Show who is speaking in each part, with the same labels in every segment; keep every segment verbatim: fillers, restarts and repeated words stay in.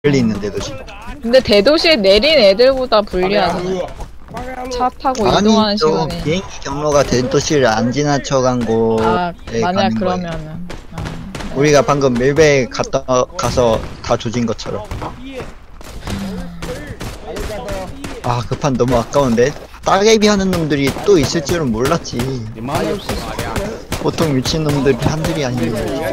Speaker 1: 멀리 있는 대도시.
Speaker 2: 근데 대도시에 내린 애들보다 불리하잖아. 차 타고
Speaker 1: 아니,
Speaker 2: 이동하는
Speaker 1: 저
Speaker 2: 시간이.
Speaker 1: 비행기 경로가 대도시를 안 지나쳐간 곳에
Speaker 2: 아, 만약
Speaker 1: 가는 거예요.
Speaker 2: 그러면은. 아,
Speaker 1: 우리가 방금 밀베 갔다 가서 다 조진 것처럼. 아, 그 판 너무 아까운데. 따개비 하는 놈들이 또 있을 줄은 몰랐지. 보통 미친놈들이 한둘이 아니에요.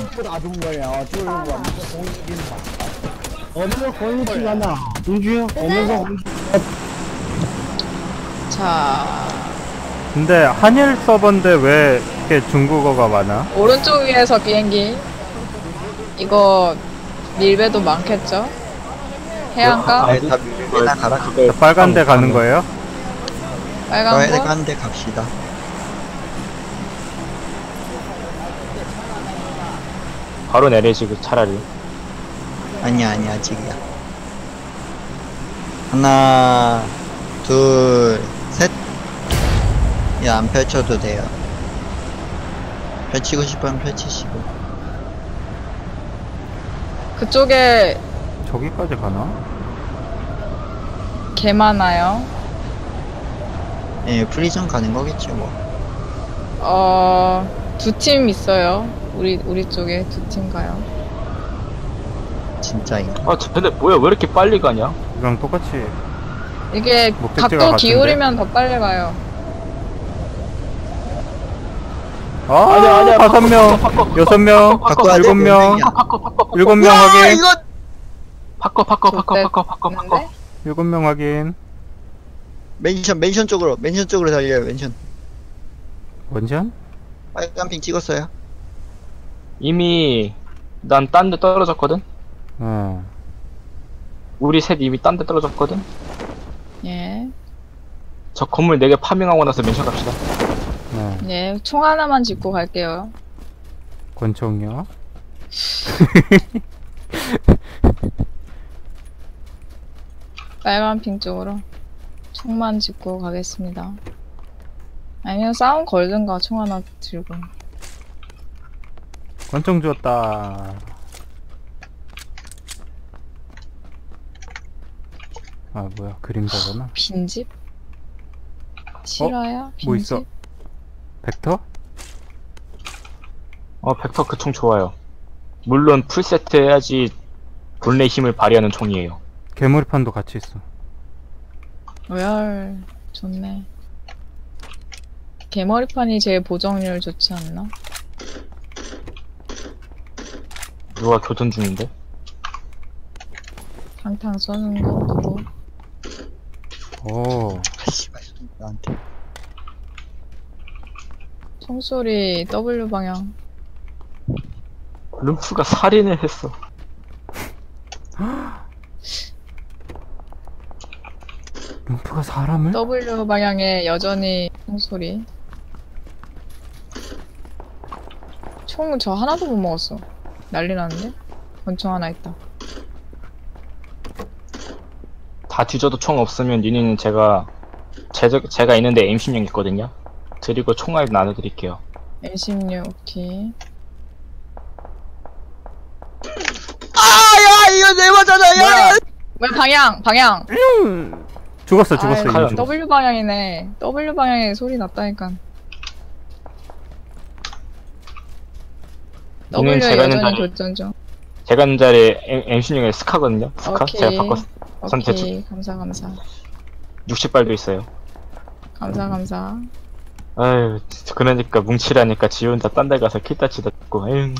Speaker 2: 자,
Speaker 3: 근데 한일 서버인데 왜 이렇게 중국어가 많아?
Speaker 2: 오른쪽 위에서 비행기. 이거 밀배도 많겠죠? 해안가?
Speaker 1: 아, 다 밀베나 가라.
Speaker 3: 자, 빨간 데 가는 거예요?
Speaker 2: 빨간 거?
Speaker 1: 빨간 데 갑시다.
Speaker 4: 바로 내리시고 차라리.
Speaker 1: 아니야, 아니야, 아직이야. 하나, 둘, 셋. 야, 안 펼쳐도 돼요. 펼치고 싶으면 펼치시고.
Speaker 2: 그쪽에
Speaker 3: 저기까지 가나?
Speaker 2: 개 많아요.
Speaker 1: 예, 프리전 가는 거겠지, 뭐.
Speaker 2: 어, 두 팀 있어요. 우리, 우리 쪽에 두 팀 가요.
Speaker 1: 진짜, 이거.
Speaker 4: 아, 근데 뭐야, 왜 이렇게 빨리 가냐?
Speaker 3: 이랑 똑같이.
Speaker 2: 이게
Speaker 3: 목적지가
Speaker 2: 각도
Speaker 3: 같은데?
Speaker 2: 기울이면 더 빨리 가요.
Speaker 3: 아,
Speaker 4: 아니야, 아니야,
Speaker 3: 다섯
Speaker 4: 바꿔,
Speaker 3: 명,
Speaker 4: 바꿔, 바꿔,
Speaker 3: 여섯 명,
Speaker 1: 바꿔, 바꿔,
Speaker 3: 일곱 명,
Speaker 1: 바꿔,
Speaker 4: 바꿔, 바꿔, 바꿔.
Speaker 3: 일곱 명
Speaker 1: 와,
Speaker 3: 확인.
Speaker 1: 이거!
Speaker 4: 바꿔, 바꿔, 바꿔,
Speaker 2: 좋대.
Speaker 4: 바꿔, 바꿔, 바꿔.
Speaker 2: 근데?
Speaker 3: 일곱 명 확인.
Speaker 1: 맨션, 맨션 쪽으로, 맨션 쪽으로 달려요, 맨션.
Speaker 3: 원전?
Speaker 1: 빨간 핑 찍었어요.
Speaker 4: 이미 난 딴 데 떨어졌거든?
Speaker 3: 어.
Speaker 4: 우리 셋 이미 딴 데 떨어졌거든?
Speaker 2: 예.
Speaker 4: 저 건물 네 개 파밍하고 나서 맨션 갑시다.
Speaker 3: 네.
Speaker 2: 예, 총 하나만 짚고 갈게요.
Speaker 3: 권총이요?
Speaker 2: 빨간 핑 쪽으로 총만 짚고 가겠습니다. 아니면 싸움 걸든가 총 하나 들고.
Speaker 3: 권총 주었다. 아, 뭐야, 그림자구나.
Speaker 2: 빈집? 실화야? 빈집?
Speaker 3: 뭐 있어? 벡터?
Speaker 4: 어, 벡터 그 총 좋아요. 물론 풀세트 해야지 본래 힘을 발휘하는 총이에요.
Speaker 3: 개머리판도 같이 있어.
Speaker 2: 로얄 좋네. 개머리판이 제일 보정률 좋지 않나?
Speaker 4: 누가 교전 중인데?
Speaker 2: 탕탕 쏘는 거 누구?
Speaker 3: 오.
Speaker 1: 아, 씨발, 나한테.
Speaker 2: 총소리 W 방향.
Speaker 4: 룸프가 살인을 했어.
Speaker 3: 룸프가 사람을?
Speaker 2: W 방향에 여전히 총소리. 총 저 하나도 못 먹었어. 난리 났는데? 권총 하나 있다.
Speaker 4: 다 뒤져도 총 없으면 니는 제가 제, 제가 있는데 엠 십육 있거든요. 드리고 총알 나눠드릴게요.
Speaker 2: 엠 십육 오케이.
Speaker 1: 아, 야, 이거 내 맞잖아, 야!
Speaker 2: 뭐야 방향 방향.
Speaker 3: 죽었어, 죽었어,
Speaker 2: 아이,
Speaker 3: 이미
Speaker 4: 가요.
Speaker 3: 죽었어.
Speaker 2: W 방향이네. W 방향에 소리 났다니까. W
Speaker 4: 이는 제가 있는
Speaker 2: 여전히
Speaker 4: 자리-
Speaker 2: 교전 중.
Speaker 4: 제가 있는 자리에 엠 십육에 스카거든요. 스카?
Speaker 2: 오케이.
Speaker 4: 제가 바꿨어. 전 대충
Speaker 2: 오케이. 감사 감사.
Speaker 4: 육십 발도 있어요.
Speaker 2: 감사 감사.
Speaker 4: 아유, 그러니까 뭉치라니까 지 혼자 딴 데 가서 킬 따치다 듣고, 에휴.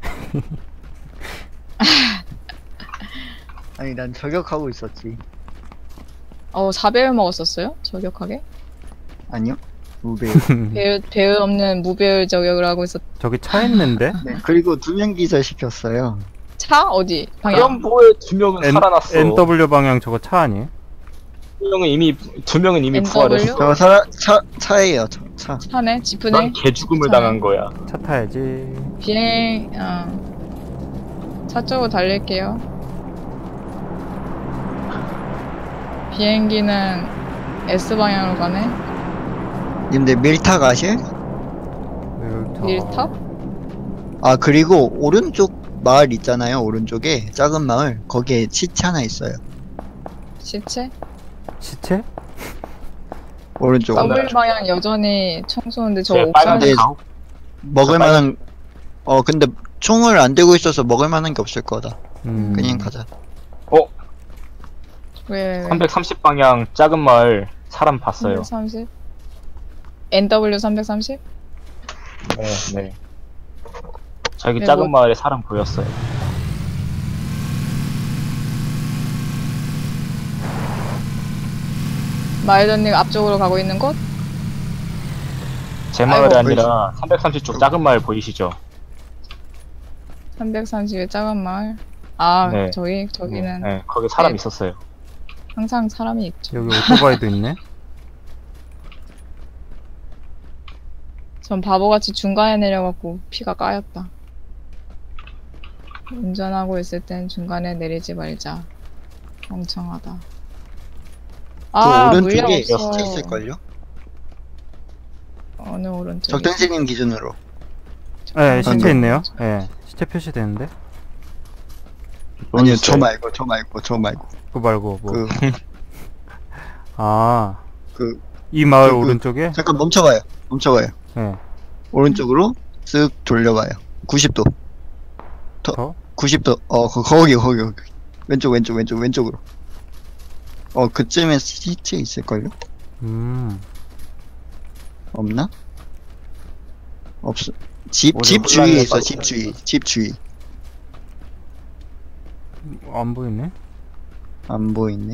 Speaker 1: 아니, 난 저격하고 있었지.
Speaker 2: 어, 사 배율 먹었었어요? 저격하게?
Speaker 1: 아니요? 무배.
Speaker 2: 배율, 배율 없는 무배율 저격을 하고 있었.
Speaker 3: 저기 차 있는데?
Speaker 1: 네, 그리고 두 명 기절 시켰어요.
Speaker 2: 차? 어디? 방향?
Speaker 4: 그럼 뭐해, 두 명은
Speaker 3: N,
Speaker 4: 살아났어.
Speaker 3: 엔더블유 방향 저거 차 아니에요?
Speaker 4: 두 명은 이미, 두 명은 이미
Speaker 2: 엔더블유?
Speaker 4: 부활했어.
Speaker 1: 저 사, 차, 차예요, 저, 차.
Speaker 2: 차네? 지프네?
Speaker 4: 난 개죽음을
Speaker 2: 차.
Speaker 4: 당한 거야.
Speaker 3: 차 타야지.
Speaker 2: 비행, 어. 차 쪽으로 달릴게요. 비행기는 S방향으로 가네?
Speaker 1: 님들 밀타 가실?
Speaker 3: 밀타.
Speaker 2: 밀탑?
Speaker 1: 아, 그리고 오른쪽 마을 있잖아요, 오른쪽에 작은 마을. 거기에 시체 하나 있어요.
Speaker 2: 시체?
Speaker 3: 시체?
Speaker 1: 오른쪽.
Speaker 4: 더블-
Speaker 2: 더블 방향 여전히 총 쏘는데 저
Speaker 4: 제
Speaker 2: 옥상에
Speaker 4: 빨간색
Speaker 1: 네.
Speaker 4: 가오?
Speaker 1: 먹을 만한 어 근데 총을 안 들고 있어서 먹을 만한 게 없을 거다.
Speaker 3: 음.
Speaker 1: 그냥 가자.
Speaker 4: 어?
Speaker 2: 왜, 왜, 왜?
Speaker 4: 삼백삼십 방향 작은 마을 사람 봤어요.
Speaker 2: 삼백삼십? 엔더블유 삼백삼십?
Speaker 4: 네, 네. 저기
Speaker 2: 네,
Speaker 4: 작은
Speaker 2: 뭐-
Speaker 4: 마을에 사람 보였어요.
Speaker 2: 마이더님 앞쪽으로 가고 있는 곳?
Speaker 4: 제 마을이
Speaker 2: 아이고,
Speaker 4: 아니라 삼백삼십 쪽 작은 마을 보이시죠?
Speaker 2: 삼백삼십의 작은 마을? 아,
Speaker 4: 네.
Speaker 2: 저기, 저기는
Speaker 4: 네, 거기 사람
Speaker 2: 네.
Speaker 4: 있었어요.
Speaker 2: 항상 사람이 있죠.
Speaker 3: 여기 오토바이도 있네?
Speaker 2: 전 바보같이 중간에 내려갖고 피가 까였다. 운전하고 있을 땐 중간에 내리지 말자. 멍청하다.
Speaker 1: 그
Speaker 2: 아, 물량
Speaker 1: 오른쪽에
Speaker 2: 없어.
Speaker 1: 시체 있을걸요?
Speaker 2: 어느 오른쪽?
Speaker 1: 적당생님 기준으로.
Speaker 3: 네, 시체
Speaker 1: 방금.
Speaker 3: 있네요. 네, 시체 표시되는데?
Speaker 1: 아니요,
Speaker 4: 있어요.
Speaker 1: 저 말고, 저 말고, 저 말고.
Speaker 3: 그거 말고 뭐.
Speaker 1: 그,
Speaker 3: 아,
Speaker 1: 그,
Speaker 3: 이 마을
Speaker 1: 그, 그-
Speaker 3: 오른쪽에?
Speaker 1: 잠깐 멈춰봐요. 멈춰봐요.
Speaker 3: 네.
Speaker 1: 오른쪽으로 쓱 돌려봐요. 구십 도.
Speaker 3: 더?
Speaker 1: 구십 도. 어, 거, 거기, 거기, 거기. 왼쪽, 왼쪽, 왼쪽, 왼쪽으로. 어, 그쯤에 시체 있을걸요?
Speaker 3: 음.
Speaker 1: 없나? 없어. 집,
Speaker 4: 오늘
Speaker 1: 집 주위에
Speaker 4: 혼란을
Speaker 1: 있어,
Speaker 4: 받고
Speaker 1: 집 주위. 집 주위.
Speaker 3: 안 보이네?
Speaker 1: 안 보이네.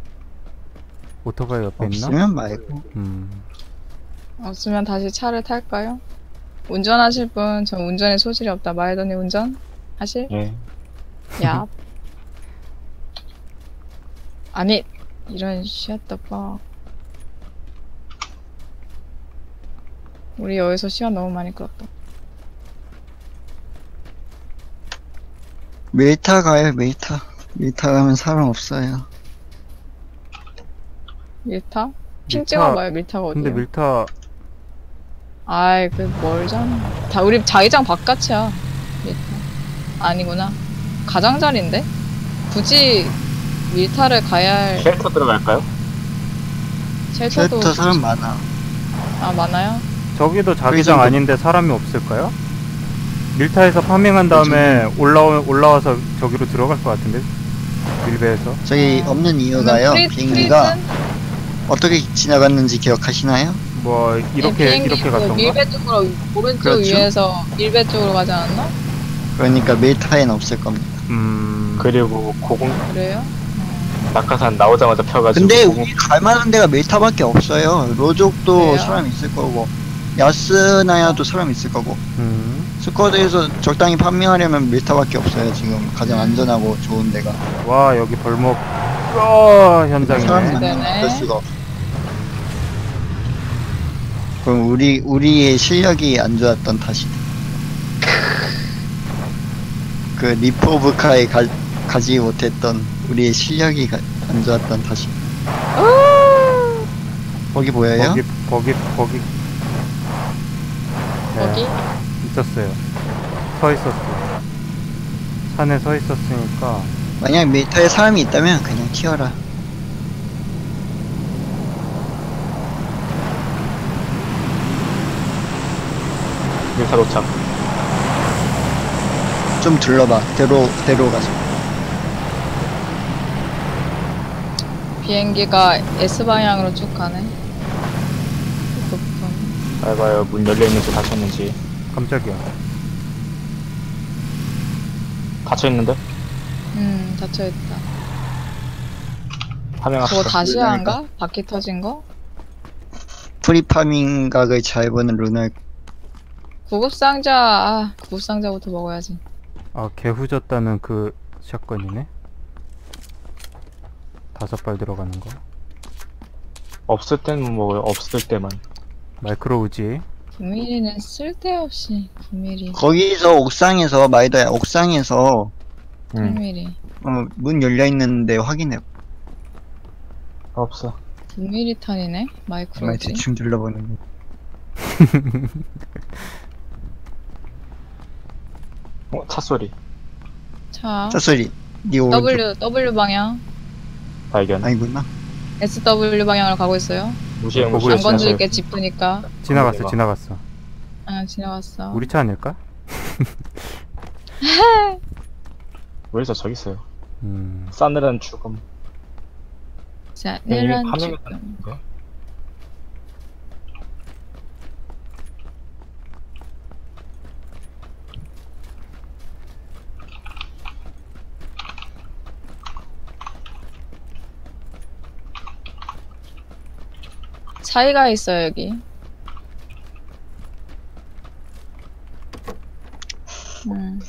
Speaker 3: 오토바이 옆에 있나?
Speaker 1: 없으면 말고.
Speaker 3: 음.
Speaker 2: 없으면 다시 차를 탈까요? 운전하실 분, 전 운전에 소질이 없다. 마이더님 운전? 하실?
Speaker 4: 예.
Speaker 2: 야. 아니, 이런 shut the fuck. 우리 여기서 시간 너무 많이 끌었다.
Speaker 1: 밀타 가요, 밀타. 밀타 가면 사람 없어요.
Speaker 2: 밀타? 핑
Speaker 3: 밀타-
Speaker 2: 찍어봐요, 밀타가 어디야?
Speaker 3: 근데 밀타
Speaker 2: 아이, 그 멀잖아. 다 우리 자기장 바깥이야. 밀타. 아니구나. 가장자리인데? 굳이 밀타를 가야 할
Speaker 4: 쉘터 들어갈까요?
Speaker 2: 쉘터도
Speaker 1: 쉘터 사람 많아.
Speaker 2: 아 많아요?
Speaker 3: 저기도 자기장
Speaker 1: 거기서
Speaker 3: 아닌데 사람이 없을까요? 밀타에서 파밍한 다음에 올라오, 올라와서 저기로 들어갈 것 같은데? 밀배에서?
Speaker 1: 저기
Speaker 2: 아,
Speaker 1: 없는 이유가요.
Speaker 2: 프리-
Speaker 1: 비행기가
Speaker 2: 프리즌?
Speaker 1: 어떻게 지나갔는지 기억하시나요?
Speaker 3: 뭐
Speaker 2: 네,
Speaker 3: 이렇게
Speaker 2: 비행기
Speaker 3: 이렇게
Speaker 2: 그
Speaker 3: 갔던가?
Speaker 2: 밀배 쪽으로 오른쪽
Speaker 1: 그렇죠.
Speaker 2: 위에서 밀배 쪽으로 가지 않았나?
Speaker 1: 그러니까 밀타에는 없을 겁니다.
Speaker 3: 음...
Speaker 4: 그리고 고공
Speaker 2: 그래요?
Speaker 4: 낙하산 나오자마자 펴가지고
Speaker 1: 근데
Speaker 4: 고공-
Speaker 1: 우리 갈만한 데가 밀타밖에 없어요. 로족도
Speaker 2: 그래요?
Speaker 1: 사람 있을 거고, 야스나야도 사람 있을 거고.
Speaker 3: 음...
Speaker 1: 스쿼드에서 적당히 판매하려면 밀타밖에 없어요. 지금 가장 안전하고 좋은 데가.
Speaker 3: 와 여기 벌목 어,
Speaker 1: 사람
Speaker 3: 현장이네.
Speaker 1: 많으면
Speaker 2: 되네.
Speaker 1: 어쩔 수가 없어. 그럼 우리 우리의 실력이 안 좋았던 탓이다. 그 리포브카에 가, 가지 못했던 우리의 실력이 가, 안 좋았던 탓이. 거기 보여요?
Speaker 3: 거기 거기 거기 네,
Speaker 2: 거기?
Speaker 3: 있었어요. 서 있었어. 산에 서 있었으니까
Speaker 1: 만약 밀타에 사람이 있다면 그냥 튀어라.
Speaker 4: 밀타 도착.
Speaker 1: 좀 둘러봐. 대로 대로 가서.
Speaker 2: 비행기가 S방향으로 쭉 가네. 높은.
Speaker 4: 잘 봐요. 문 열려있는지 닫혔는지.
Speaker 3: 깜짝이야.
Speaker 4: 닫혀있는데?
Speaker 2: 음, 닫혀있다. 저거
Speaker 4: 파밍합시다.
Speaker 2: 다시
Speaker 1: 물량이다.
Speaker 2: 한가? 바퀴 터진 거?
Speaker 1: 프리파밍 각을 잘 보는 루널.
Speaker 2: 구급상자, 아, 구급상자부터 먹어야지.
Speaker 3: 아 개후졌다는 그 샷건이네. 다섯 발 들어가는 거.
Speaker 4: 없을 때는 뭐 없을 때만.
Speaker 3: 마이크로 우지.
Speaker 2: 구 밀리미터는 쓸데없이 구 밀리미터,
Speaker 1: 거기서 옥상에서 마이더야 옥상에서
Speaker 2: 팔
Speaker 4: 응.
Speaker 2: 밀리미터.
Speaker 1: 어, 문 열려 있는데 확인해.
Speaker 4: 없어.
Speaker 2: 구 밀리미터 탄이네?
Speaker 1: 정말
Speaker 2: 마이크로지.
Speaker 1: 대충 둘러보는 거.
Speaker 4: 어, 차 소리.
Speaker 2: 차.
Speaker 1: 차 소리. 니 오른쪽.
Speaker 2: W, W 방향.
Speaker 4: 발견.
Speaker 1: 아니구나.
Speaker 2: 에스 더블유 방향으로 가고 있어요.
Speaker 4: 무시해
Speaker 3: 보고
Speaker 4: 무시해.
Speaker 2: 안
Speaker 3: 있어요.
Speaker 2: 건들게 짚으니까.
Speaker 3: 지나갔어,
Speaker 4: 내가.
Speaker 3: 지나갔어.
Speaker 2: 아, 지나갔어.
Speaker 3: 우리 차 아닐까?
Speaker 4: 왜저 저기 있어요?
Speaker 3: 음,
Speaker 4: 싸늘한 죽음.
Speaker 2: 자,
Speaker 4: 이미
Speaker 2: 내란
Speaker 4: 파밍을
Speaker 2: 지금.
Speaker 4: 했는데.
Speaker 2: 차이가 있어요, 여기. 음.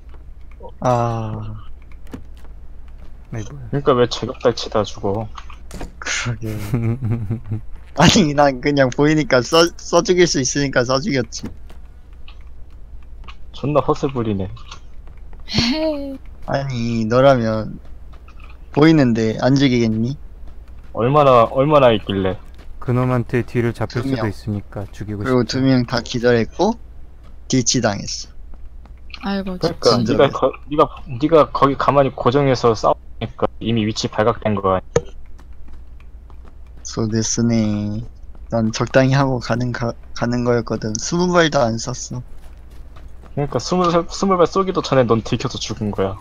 Speaker 1: 아,
Speaker 3: 아니 뭐야.
Speaker 4: 그러니까 왜 제격달 치다 죽어?
Speaker 1: 그러게. 아니, 난 그냥 보이니까 써, 써 죽일 수 있으니까 써 죽였지.
Speaker 4: 존나 헛을 부리네.
Speaker 1: 아니, 너라면 보이는데 안 죽이겠니?
Speaker 4: 얼마나 얼마나 있길래?
Speaker 3: 그놈한테 뒤를 잡힐
Speaker 1: 두
Speaker 3: 수도
Speaker 1: 명.
Speaker 3: 있으니까 죽이고
Speaker 1: 그리고
Speaker 3: 싶다.
Speaker 1: 두 명 다 기절했고, 뒤치 당했어.
Speaker 2: 아이고,
Speaker 4: 그러니까
Speaker 2: 진짜.
Speaker 4: 네가 거, 네가 네가 거기 가만히 고정해서 싸우니까 이미 위치 발각된 거야.
Speaker 1: 소데스네. 난 적당히 하고 가는, 가, 가는 거였거든. 스무 발도 안 썼어.
Speaker 4: 그러니까 스물 살- 스물 발 쏘기도 전에 넌 들켜서 죽은 거야.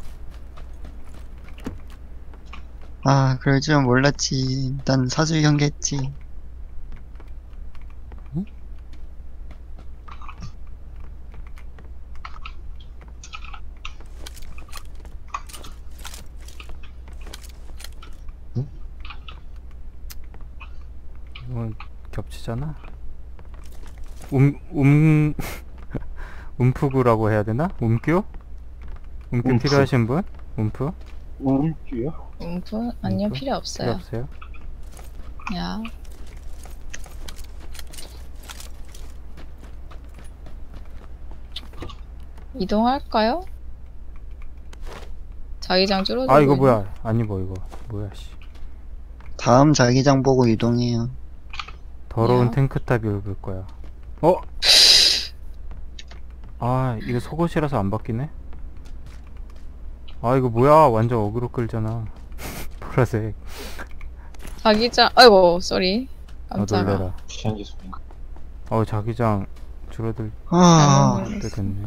Speaker 1: 아, 그럴 줄은 몰랐지. 난 사주 경계했지.
Speaker 3: 이건 겹치잖아. 움, 움, 움프구라고 해야 되나? 움규? 움규
Speaker 4: 움프.
Speaker 3: 필요하신 분? 움프?
Speaker 4: 음주요?
Speaker 2: 음프? 아니요,
Speaker 3: 음프?
Speaker 2: 필요
Speaker 3: 필요
Speaker 2: 없어요.
Speaker 3: 없어요?
Speaker 2: 야. 이동할까요? 자기장 줄어들고
Speaker 3: 아 이거
Speaker 2: 있네.
Speaker 3: 뭐야? 아니 뭐 이거 뭐야 씨.
Speaker 1: 다음 자기장 보고 이동해요.
Speaker 3: 더러운
Speaker 2: 야.
Speaker 3: 탱크탑이 올 거야. 어? 아 이거 속옷이라서 안 바뀌네? 아 이거 뭐야? 완전 어그로 끌잖아. 보라색.
Speaker 2: 자기장, 아이고, 쏘리.
Speaker 3: 아
Speaker 2: 깜짝아.
Speaker 3: 놀래라.
Speaker 4: 비행기 소리인가?
Speaker 3: 어 자기장 줄어들
Speaker 1: 아,
Speaker 2: 잘못
Speaker 3: 때 됐네.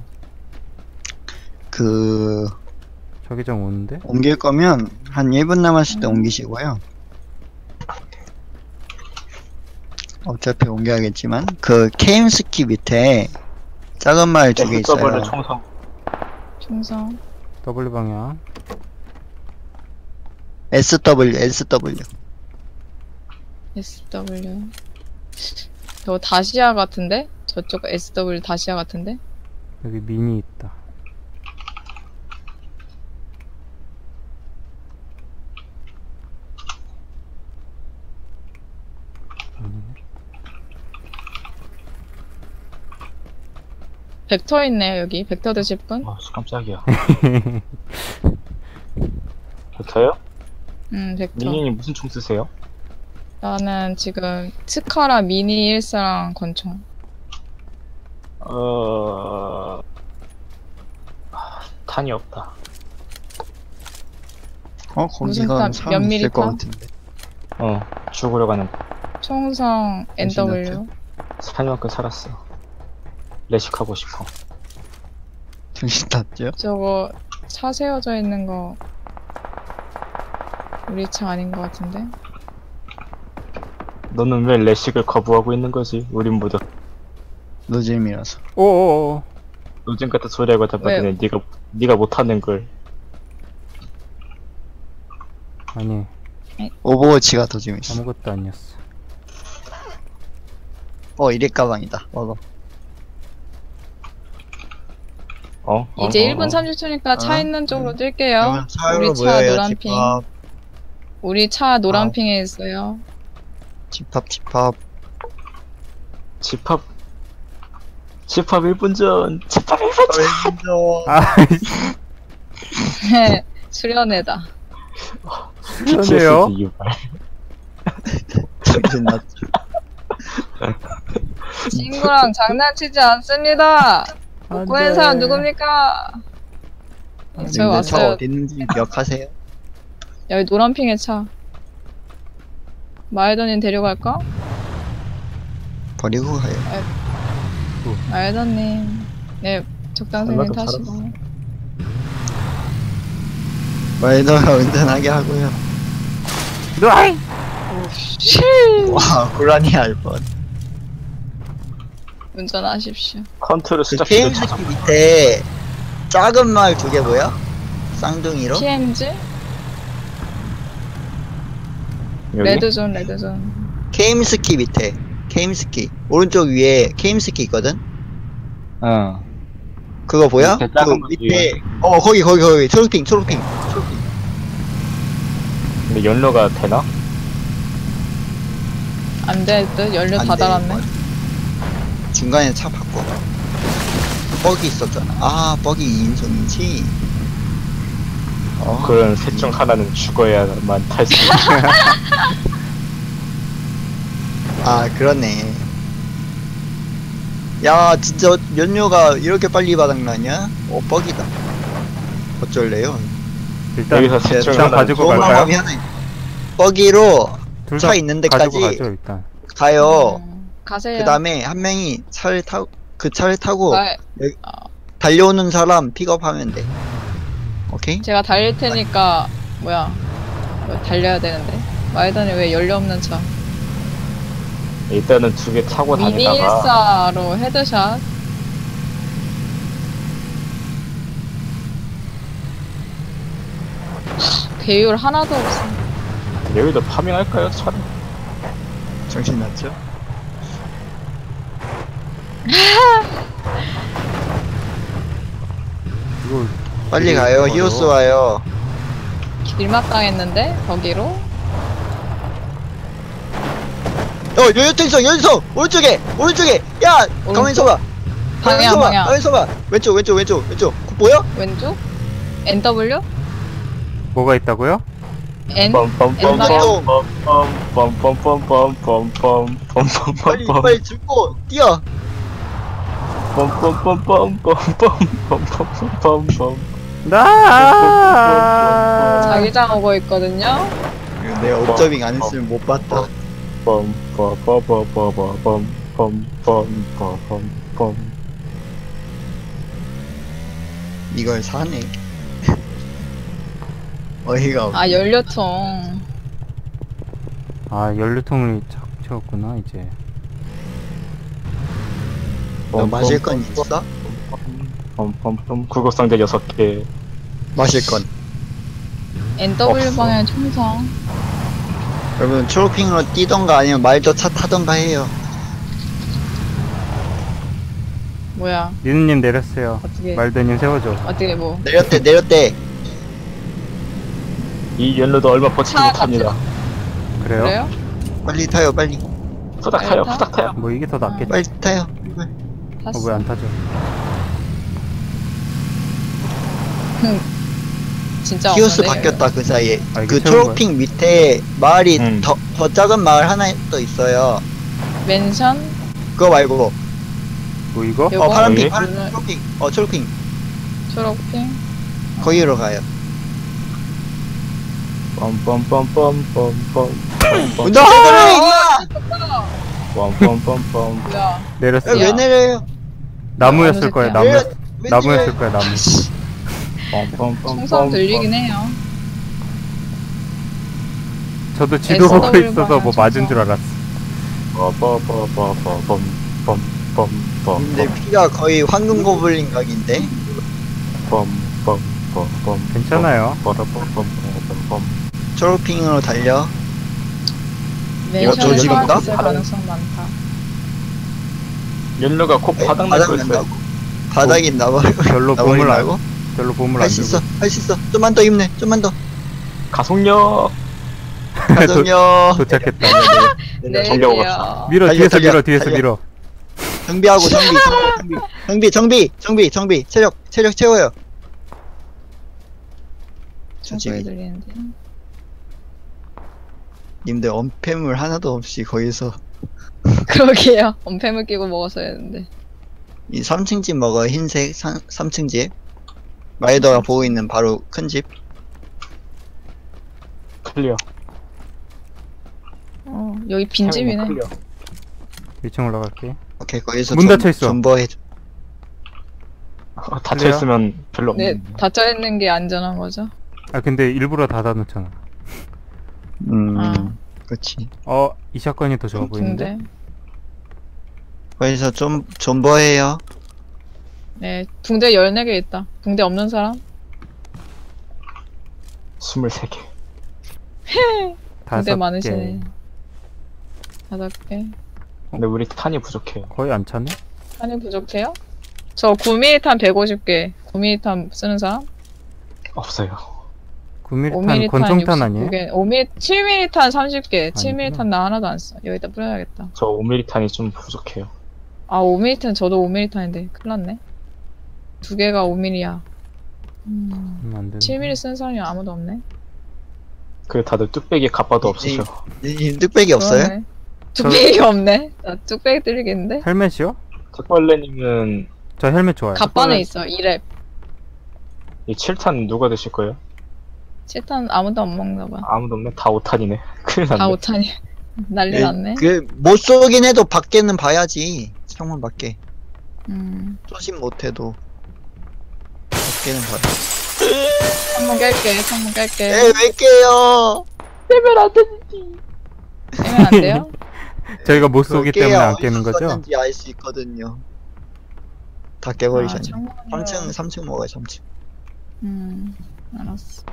Speaker 1: 그,
Speaker 3: 자기장 오는데?
Speaker 1: 옮길 거면 한 일 분 남았을 때
Speaker 2: 음.
Speaker 1: 옮기시고요. 어차피 옮겨야겠지만, 그, 케임스키 밑에 작은 마을 두 개 있어요.
Speaker 4: 더블 총성.
Speaker 2: 충성.
Speaker 3: W 방향.
Speaker 1: 에스더블유, 에스더블유.
Speaker 2: 에스 더블유. 저거 다시아 같은데? 저쪽 에스 더블유 다시아 같은데?
Speaker 3: 여기 미니 있다. 아니네.
Speaker 2: 벡터 있네요, 여기. 벡터 드실 분?
Speaker 4: 아, 깜짝이야. 벡터요?
Speaker 2: 음, 벡터.
Speaker 4: 미니님 무슨 총 쓰세요?
Speaker 2: 나는 지금 스카라 미니 일사랑 권총.
Speaker 4: 어... 아, 탄이 없다.
Speaker 1: 어,
Speaker 2: 무슨
Speaker 1: 거기가
Speaker 2: 탑?
Speaker 1: 사람
Speaker 2: 몇
Speaker 1: 있을 것
Speaker 2: 미리
Speaker 1: 같은데.
Speaker 4: 어, 죽으려고 하는
Speaker 2: 총성 엔 더블유.
Speaker 4: 살만큼 살았어. 레식하고 싶어.
Speaker 1: 정신 탔죠?
Speaker 2: 저거 차 세워져 있는 거 우리 차 아닌 것 같은데?
Speaker 4: 너는 왜 레식을 거부하고 있는 거지? 우린 모두
Speaker 1: 노잼이라서.
Speaker 3: 오오오.
Speaker 4: 요즘 같은 소리하고 답답해. 네가 네가 못하는 걸.
Speaker 3: 아니
Speaker 1: 오버워치가 더 재밌어.
Speaker 3: 아무것도 아니었어.
Speaker 1: 어, 이래 가방이다. 먹어.
Speaker 4: 어? 어?
Speaker 2: 이제
Speaker 4: 어,
Speaker 2: 일 분
Speaker 4: 어.
Speaker 2: 삼십 초니까 차
Speaker 1: 어?
Speaker 2: 있는 쪽으로
Speaker 1: 음.
Speaker 2: 뛸게요.
Speaker 1: 차로
Speaker 2: 우리 차
Speaker 1: 모여요,
Speaker 2: 노란 핑.
Speaker 1: 집합.
Speaker 2: 우리 차 노란
Speaker 1: 아.
Speaker 2: 핑에 있어요.
Speaker 1: 집합, 집합.
Speaker 4: 집합 집합 일 분 전. 집합 일 분 전.
Speaker 3: 아
Speaker 2: 수련회다.
Speaker 3: 그러네요.
Speaker 4: 피티에스디 유발.
Speaker 1: 정신 났죠.
Speaker 2: 친구랑 장난치지 않습니다. 구한 사람 누굽니까? 저희
Speaker 1: 님들 차
Speaker 2: 왔어요.
Speaker 1: 어디 있는지 기억하세요?
Speaker 2: 여기 노란핑의 차. 마이더님 데려갈까?
Speaker 1: 버리고 가요.
Speaker 2: 마이더님. 네, 적당생님
Speaker 4: 얼마큼
Speaker 2: 타시고.
Speaker 1: 마이너가 운전하게 하고요.
Speaker 3: 으아이!
Speaker 2: 실
Speaker 1: 와, 고라니 알 뻔.
Speaker 2: 운전하십시오.
Speaker 4: 컨트롤
Speaker 1: 그
Speaker 4: 수작
Speaker 1: 게임
Speaker 4: 기를
Speaker 1: 스키 밑에 작은 말 두 개 뭐야? 쌍둥이로?
Speaker 2: 티엠지?
Speaker 4: 여기?
Speaker 2: 레드존, 레드존.
Speaker 1: 게임 스키 밑에 게임 스키 오른쪽 위에 게임 스키 있거든?
Speaker 4: 어.
Speaker 1: 그거 보여?
Speaker 4: 밑에
Speaker 1: 그
Speaker 4: 작은 거
Speaker 1: 밑에 어 거기 거기 거기 초록핑 초록핑 초록핑.
Speaker 4: 근데 연료가 되나?
Speaker 2: 안 될 듯? 연료
Speaker 1: 안
Speaker 2: 다
Speaker 1: 돼,
Speaker 2: 달았네.
Speaker 1: 이건. 중간에 차 바꿔. 뻑이 있었잖아. 아 뻑이 이인승이지. 어.
Speaker 4: 그런 셋 중 하나는 죽어야만 탈 수 있는.
Speaker 1: 아 그러네. 야 진짜 연료가 이렇게 빨리 바닥나냐? 어 뻑이다. 어쩔래요?
Speaker 3: 일단
Speaker 4: 여기서 셋 중
Speaker 3: 일단
Speaker 4: 하나
Speaker 3: 가지고
Speaker 1: 좋은
Speaker 3: 갈까요?
Speaker 1: 방법이 하나 있- 뻑이로
Speaker 3: 둘
Speaker 1: 차
Speaker 3: 다
Speaker 1: 있는
Speaker 3: 가지고
Speaker 1: 데까지
Speaker 3: 가죠 일단.
Speaker 1: 가요.
Speaker 2: 음, 가세요.
Speaker 1: 그 다음에 한 명이 차를 타고 그 차를 타고
Speaker 2: 마-
Speaker 1: 여기-
Speaker 2: 어,
Speaker 1: 달려오는 사람 픽업하면 돼. 오케이?
Speaker 2: 제가 달릴 테니까, 뭐야. 뭐 달려야 되는데. 마이더님 왜 연료 없는 차?
Speaker 4: 일단은 두 개 타고 다니다가
Speaker 2: 미니일사로 헤드샷. 하, 배율 하나도 없어.
Speaker 4: 여기도 파밍할까요? 차를?
Speaker 1: 정신 났죠?
Speaker 3: 이거
Speaker 1: 빨리 가요.
Speaker 3: 어려워.
Speaker 1: 히오스 와요.
Speaker 2: 길막 당했는데? 거기로?
Speaker 1: 어, 여기 있어, 여기 있어! 오른쪽에! 오른쪽에! 야! 가만히 서봐! 가만히
Speaker 2: 방향,
Speaker 1: 서봐!
Speaker 2: 방향.
Speaker 1: 가만히 서봐! 왼쪽, 왼쪽, 왼쪽, 왼쪽. 그거 보여?
Speaker 2: 왼쪽? 엔더블유?
Speaker 3: 뭐가 있다고요?
Speaker 2: N?
Speaker 1: 빨리, 빨리 짚고, 뛰어!
Speaker 3: 나.
Speaker 2: 자기장 오고 있거든요?
Speaker 1: 이거 내가 옵저빙 안 했으면 못 봤다. 이걸 사네. 어이가 없.
Speaker 2: 아, 연료통.
Speaker 3: 아 연료통을 착 채웠구나 이제.
Speaker 1: 너 마실 건 있어?
Speaker 4: 구급상자 여섯 개.
Speaker 1: 마실 건.
Speaker 2: 엔더블유
Speaker 4: 없어.
Speaker 2: 방향 총성.
Speaker 1: 여러분, 초록핑으로 뛰던가 아니면 말도 차 타던가 해요.
Speaker 2: 뭐야.
Speaker 3: 니누님 내렸어요.
Speaker 2: 어떻게,
Speaker 3: 말드님 세워줘.
Speaker 2: 어떻게 뭐.
Speaker 1: 내렸대, 내렸대.
Speaker 4: 이 연료도 얼마 버티지
Speaker 2: 차
Speaker 4: 못합니다.
Speaker 3: 그래요?
Speaker 2: 그래요?
Speaker 1: 빨리 타요, 빨리.
Speaker 4: 후딱 타요, 후딱 타요.
Speaker 3: 뭐 이게 더 낫겠지.
Speaker 1: 빨리 타요.
Speaker 2: 탔어.
Speaker 3: 어 왜 안 타죠?
Speaker 2: 진짜
Speaker 1: 히오스
Speaker 2: 없는데,
Speaker 1: 바뀌었다, 그 사이에.
Speaker 3: 아, 이게
Speaker 1: 그
Speaker 3: 채운
Speaker 1: 초록핑 밑에 마을이
Speaker 4: 음.
Speaker 1: 더, 더 작은 마을 하나 또 있어요.
Speaker 2: 맨션?
Speaker 1: 그거 말고.
Speaker 3: 뭐 이거?
Speaker 2: 요거?
Speaker 1: 어, 파란핑,
Speaker 4: 여기?
Speaker 1: 파란, 초록핑. 어, 초록핑.
Speaker 2: 초록핑?
Speaker 1: 거기로 가요.
Speaker 4: 빰빰빰빰빰빰빰.
Speaker 1: 운전 제대로 해, 임마!
Speaker 4: 빰빰빰빰.
Speaker 2: 뭐야.
Speaker 3: 내렸어.
Speaker 1: 야, 왜 내려요?
Speaker 3: 나무였을 거야. 나무.
Speaker 1: 왜, 왜
Speaker 3: 나무였을
Speaker 1: 내려요?
Speaker 3: 거야. 나무.
Speaker 2: 총성 들리긴 해요.
Speaker 3: 저도 지도 보고
Speaker 2: 에스더블유
Speaker 3: 있어서 뭐
Speaker 2: 방향
Speaker 3: 맞은 줄
Speaker 2: 총성.
Speaker 3: 알았어.
Speaker 4: 빰빰빰빰빰빰빰빰빰.
Speaker 1: 근데 피가 거의 황금 고블린 각인데?
Speaker 4: 빰빰빰빰빰.
Speaker 3: 괜찮아요.
Speaker 4: 빠라빰빰빰빰빰.
Speaker 1: 초록핑으로 달려.
Speaker 2: 맨션에서
Speaker 1: 조지건가?
Speaker 2: 있을 가능성 많다.
Speaker 4: 연료가 곧 바닥 날
Speaker 1: 바닥
Speaker 4: 거 있어요.
Speaker 1: 난다고. 바닥이 나버리고.
Speaker 3: 별로 봄을 안,
Speaker 1: 나버리라고?
Speaker 3: 별로 봄을 안
Speaker 1: 할 수
Speaker 3: 주고.
Speaker 1: 있어, 할 수 있어. 좀만 더 힘내, 좀만 더.
Speaker 4: 가속력.
Speaker 1: 가정요.
Speaker 3: 도착했다.
Speaker 2: 네,
Speaker 4: 정겨워
Speaker 2: 그래요.
Speaker 3: 밀어
Speaker 1: 달려,
Speaker 3: 뒤에서
Speaker 1: 달려,
Speaker 3: 밀어 뒤에서
Speaker 1: 달려.
Speaker 3: 밀어.
Speaker 1: 정비하고 정비, 정비, 정비, 정비, 정비, 정비, 체력, 체력 채워요.
Speaker 2: 총소리 들리는데.
Speaker 1: 님들 언패물 하나도 없이 거기서
Speaker 2: 그러게요. 언패물 끼고 먹었어야 했는데.
Speaker 1: 이 삼 층 집 먹어. 흰색 삼 층 집. 마이더가 보고 있는 바로 큰 집.
Speaker 4: 클리어.
Speaker 2: 어, 여기 빈집이네.
Speaker 4: 클리어.
Speaker 3: 일 층 올라갈게.
Speaker 1: 오케이, 거기서
Speaker 3: 문
Speaker 1: 전-
Speaker 3: 닫혀있어.
Speaker 1: 존버해줘.
Speaker 4: 어, 닫혀있으면 별로
Speaker 2: 네,
Speaker 4: 없는데.
Speaker 2: 닫혀있는 게 안전한 거죠.
Speaker 3: 아 근데 일부러 닫아놓잖아.
Speaker 1: 음,
Speaker 2: 아.
Speaker 1: 그렇지.
Speaker 3: 어, 이 사건이 더 좋아 보이는데?
Speaker 2: 붕대.
Speaker 1: 거기서 좀 존버해요.
Speaker 2: 네, 붕대 열네 개 있다. 붕대 없는 사람?
Speaker 4: 스물세 개.
Speaker 2: 붕대
Speaker 3: 다섯
Speaker 2: 많으시네.
Speaker 3: 개.
Speaker 2: 다섯 개.
Speaker 4: 근데 우리 탄이 부족해요.
Speaker 3: 거의 안 찼네?
Speaker 2: 탄이 부족해요? 저 구 밀리미터 탄 백오십 개. 구 밀리미터 탄 쓰는 사람?
Speaker 4: 없어요.
Speaker 3: 구 밀리미터
Speaker 2: 오
Speaker 3: 탄
Speaker 2: 밀리미터 탄
Speaker 3: 권총탄 아니에요?
Speaker 2: 육십구 개. 오 밀리미터, 칠 밀리미터 탄 삼십 개. 칠 밀리미터
Speaker 3: 아니구나.
Speaker 2: 탄 나 하나도 안 써. 여기다 뿌려야겠다.
Speaker 4: 저 오 밀리미터 탄이 좀 부족해요.
Speaker 2: 아, 오 밀리미터 탄 저도 오 밀리미터 탄인데. 큰일 났네. 두 개가 오 밀리미터야. 음,
Speaker 3: 음, 안 되네.
Speaker 2: 칠 밀리미터 쓰는 사람이 아무도 없네.
Speaker 4: 그 다들 뚝배기 갑바도 없으셔.
Speaker 1: 이, 이 뚝배기 없어요?
Speaker 2: 그러네. 뚝배기가 없네. 나 뚝배기 뚫리겠는데?
Speaker 3: 헬멧이요?
Speaker 4: 특벌레님은
Speaker 3: 저 헬멧 좋아요.
Speaker 2: 갑반에 있어. 이 랩.
Speaker 4: 이 칠 탄 누가 드실 거예요?
Speaker 2: 칠 탄 아무도 안 먹나 봐.
Speaker 4: 아무도 없네. 다 오 탄이네. 큰일 났네.
Speaker 2: 다 오 탄이. 난리 났네.
Speaker 1: 그, 못 쏘긴 해도 밖에는 봐야지. 창문 밖에.
Speaker 2: 음.
Speaker 1: 쏘진 못해도. 밖에는 봐야
Speaker 2: 창문 깰게. 창문 깰게.
Speaker 1: 에, 왜 깨요?
Speaker 2: 빼면 안 되지. 빼면 안 돼요?
Speaker 3: 저희가 못 쏘기 때문에 안
Speaker 1: 어디서
Speaker 3: 깨는 거죠?
Speaker 1: 썼는지 알 수 있거든요. 다
Speaker 2: 아,
Speaker 1: 깨버리셨네.
Speaker 2: 창문을.
Speaker 1: 삼 층, 삼 층 먹어요, 삼 층.
Speaker 2: 음. 알았어.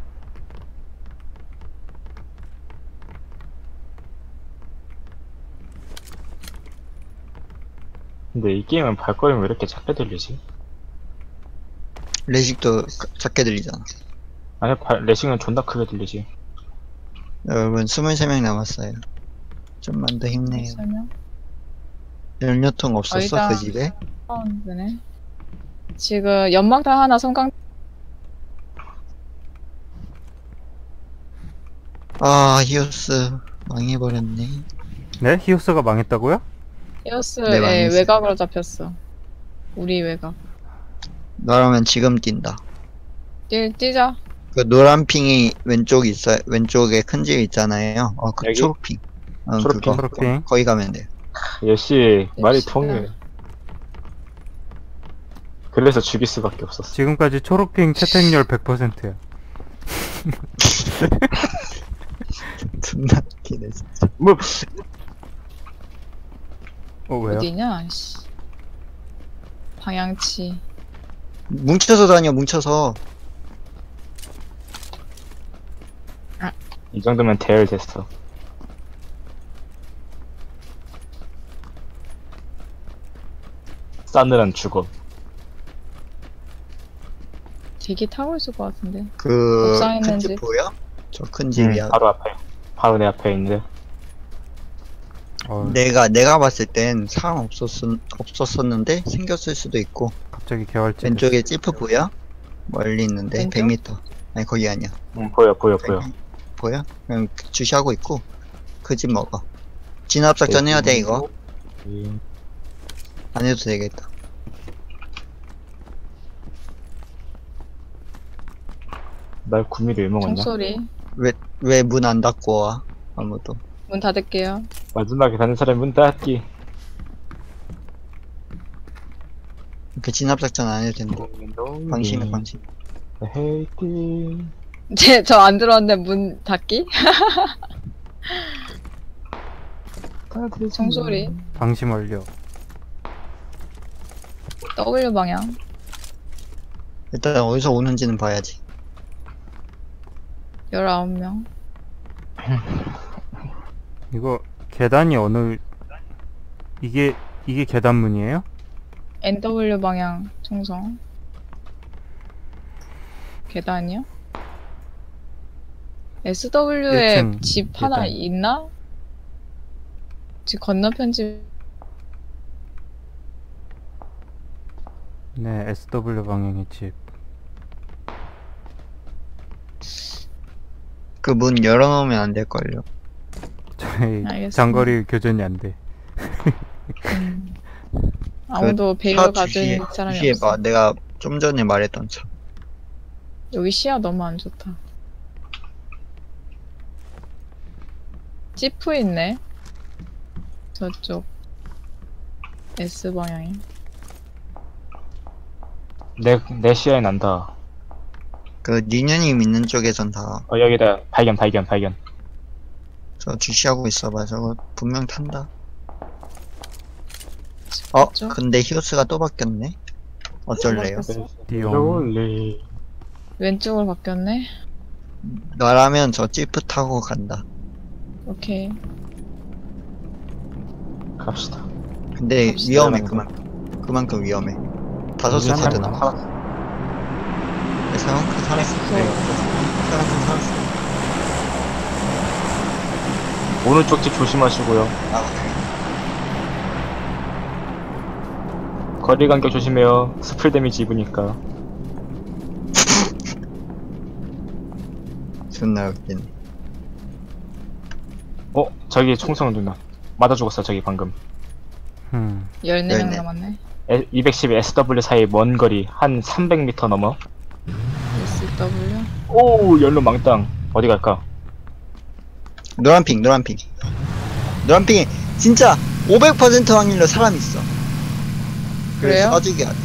Speaker 4: 근데 이 게임은 발걸음이 왜 이렇게 작게 들리지?
Speaker 1: 레식도 작게 들리잖아.
Speaker 4: 아니, 발, 레싱은 존나 크게 들리지.
Speaker 1: 여러분, 스물세 명 남았어요. 좀만 더 힘내요.
Speaker 2: 설명.
Speaker 1: 연료통 없었어,
Speaker 2: 거의 다-
Speaker 1: 그 집에?
Speaker 2: 파운드네. 지금 연막탄 하나 성강.
Speaker 1: 아, 히오스. 망해버렸네.
Speaker 3: 네? 히오스가 망했다고요?
Speaker 2: 히오스의
Speaker 1: 네, 망했어요.
Speaker 2: 외곽으로 잡혔어. 우리 외곽.
Speaker 1: 너라면 지금 뛴다.
Speaker 2: 뛰, 뛰자.
Speaker 1: 그 노란 핑이 왼쪽 있어요. 왼쪽에 큰 집 있잖아요. 어, 그
Speaker 4: 여기?
Speaker 1: 초록핑. 어,
Speaker 4: 초록핑,
Speaker 1: 그거.
Speaker 3: 초록핑.
Speaker 1: 거기 가면 돼요.
Speaker 4: 역시 말이
Speaker 2: 역시나.
Speaker 4: 통해. 그래서 죽일 수밖에 없었어.
Speaker 3: 지금까지 초록핑 채택률 백 퍼센트야.
Speaker 1: 존나 웃기네, 진짜.
Speaker 4: 뭐
Speaker 3: 어, 왜요?
Speaker 2: 어디냐? 씨. 방향치.
Speaker 1: 뭉쳐서 다녀, 뭉쳐서.
Speaker 4: 이 정도면 대열 됐어. 싸늘한 죽어.
Speaker 2: 되게 타고 있을 것 같은데.
Speaker 1: 그,
Speaker 2: 옥상에 있는
Speaker 1: 큰 집
Speaker 2: 집.
Speaker 1: 보여? 저 큰
Speaker 4: 응,
Speaker 1: 집이야.
Speaker 4: 바로 앞에. 바로 내 앞에 있는데.
Speaker 3: 어,
Speaker 1: 내가, 내가 봤을 땐 사람 없었, 없었었는데, 생겼을 수도 있고.
Speaker 3: 갑자기 개활제.
Speaker 1: 왼쪽에 찌프 보여? 멀리 있는데,
Speaker 2: 왼쪽?
Speaker 1: 백 미터. 아니, 거기 아니야.
Speaker 4: 응, 보여, 보여, 보여.
Speaker 1: 보여? 그냥 주시하고 있고, 그 집 먹어. 진압작전 해야 돼, 이거.
Speaker 4: 음,
Speaker 1: 안 해도 되겠다.
Speaker 4: 날 구미를 왜 먹었냐?
Speaker 2: 종소리.
Speaker 1: 왜, 왜 문 안 닫고 와? 아무도.
Speaker 2: 문 닫을게요.
Speaker 4: 마지막에 다른 사람 문 닫기.
Speaker 1: 이렇게 진압작전 안 해도 된다. 방심해, 방심.
Speaker 4: 헤이팅.
Speaker 2: 제, 저 안 들어왔는데 문 닫기? 종소리.
Speaker 3: 방심 완료.
Speaker 2: W 방향.
Speaker 1: 일단 어디서 오는지는 봐야지.
Speaker 2: 열아홉 명.
Speaker 3: 이거 계단이 어느 이게 이게 계단문이에요?
Speaker 2: 엔 더블유 방향 총성. 계단이요? 에스더블유에
Speaker 3: 일 층
Speaker 2: 집 하나
Speaker 3: 계단.
Speaker 2: 있나? 집 건너편 집.
Speaker 3: 네, 에스더블유 방향의 집.
Speaker 1: 그 문 열어놓으면 안 될걸요.
Speaker 3: 저희
Speaker 2: 알겠습니다.
Speaker 3: 장거리 교전이 안 돼.
Speaker 2: 음. 아무도 베일을
Speaker 1: 차
Speaker 2: 가진
Speaker 1: 주시해,
Speaker 2: 사람이
Speaker 1: 주시해봐.
Speaker 2: 없어.
Speaker 1: 내가 좀 전에 말했던 차.
Speaker 2: 여기 시야 너무 안 좋다. 지프 있네. 저쪽 S 방향이.
Speaker 4: 내, 내 시야에 난다.
Speaker 1: 그 니녀님 있는 쪽에선 다 저
Speaker 4: 어, 여기다. 발견, 발견, 발견.
Speaker 1: 주시하고 있어봐. 저거 분명 탄다. 어?
Speaker 2: 그쪽?
Speaker 1: 근데 히오스가 또 바뀌었네. 어쩔래요?
Speaker 2: 바뀌었어?
Speaker 3: 띠용.
Speaker 4: 롤리.
Speaker 2: 왼쪽으로 바뀌었네.
Speaker 1: 너라면 저 지프 타고 간다.
Speaker 2: 오케이.
Speaker 4: 갑시다.
Speaker 1: 근데
Speaker 2: 갑시다.
Speaker 1: 위험해 그만큼. 그만큼 위험해. 다섯 수
Speaker 4: 괜찮아.
Speaker 1: 카드 남았어. 네, 상황크 살았어. 네, 상황크 살았어.
Speaker 4: 오른쪽 집 조심하시고요.
Speaker 1: 아,
Speaker 4: 거리 간격 조심해요. 스플 데미지 입으니까.
Speaker 1: 존나 웃기네.
Speaker 4: 어? 저기 총성 누나. 맞아 죽었어, 저기 방금.
Speaker 3: 음.
Speaker 2: 열네 명
Speaker 1: 열네.
Speaker 2: 남았네.
Speaker 4: 에, 이백십 에스더블유 사이 먼 거리 한 삼백 미터 넘어.
Speaker 2: 에스 더블유.
Speaker 4: 오, 연료 망땅. 어디 갈까?
Speaker 1: 노란핑, 노란핑. 노란핑이 진짜 오백 퍼센트 확률로 사람 있어.
Speaker 2: 그래요?
Speaker 1: 그래서 쏴주게 하네.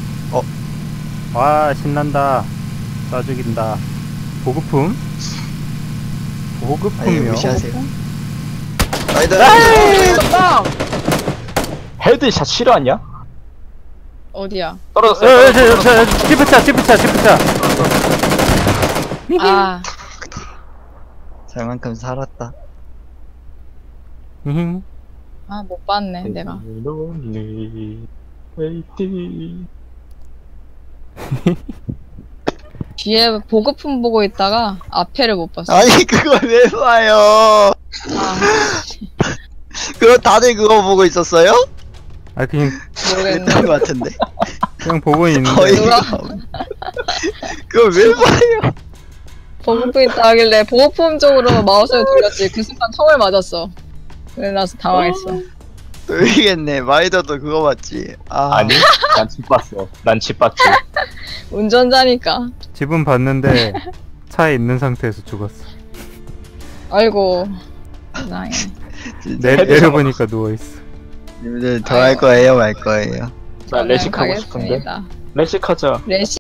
Speaker 3: 와 신난다. 쏴 죽인다. 보급품?
Speaker 1: 아니,
Speaker 3: 보급품이요?
Speaker 1: 무시하세요. 나이다.
Speaker 2: 빵!
Speaker 4: 헤드샷 싫어하냐?
Speaker 2: 어디야?
Speaker 4: 떨어졌어요.
Speaker 3: 에, 저, 저, 저, 지프차, 지프차, 지프차.
Speaker 2: 아,
Speaker 1: 저만큼 살았다.
Speaker 3: 히히.
Speaker 2: 아, 못 봤네, 내가.
Speaker 4: 롤리. 웨이팅.
Speaker 2: 뒤에 보급품 보고 있다가 앞에를 못 봤어.
Speaker 1: 아니 그걸 왜 봐요?
Speaker 2: 아,
Speaker 1: 그거 다들 그거 보고 있었어요?
Speaker 3: 아 그냥
Speaker 2: 모르겠네.
Speaker 1: 그랬던 것 같은데.
Speaker 3: 그냥 보고 있는데.
Speaker 1: 거의
Speaker 2: 누가?
Speaker 1: 그걸 왜 봐요?
Speaker 2: 보급품 있다 하길래 보급품 쪽으로 마우스를 돌렸지. 그 순간 총을 맞았어. 그래 나서 당황했어.
Speaker 1: 모르겠네. 마이더도 그거 봤지. 아,
Speaker 4: 아니, 난 집 봤어. 난 집 봤지.
Speaker 2: 운전자니까.
Speaker 3: 집은 봤는데 차에 있는 상태에서 죽었어.
Speaker 2: 아이고. 세상에.
Speaker 1: 진짜.
Speaker 3: 내,
Speaker 4: 헤드
Speaker 3: 내려보니까 누워있어.
Speaker 1: 님들 더 할 거예요, 말 거예요?
Speaker 4: 나 레식하고 싶은데.
Speaker 2: 가겠습니다.
Speaker 4: 레식하자.
Speaker 2: 레식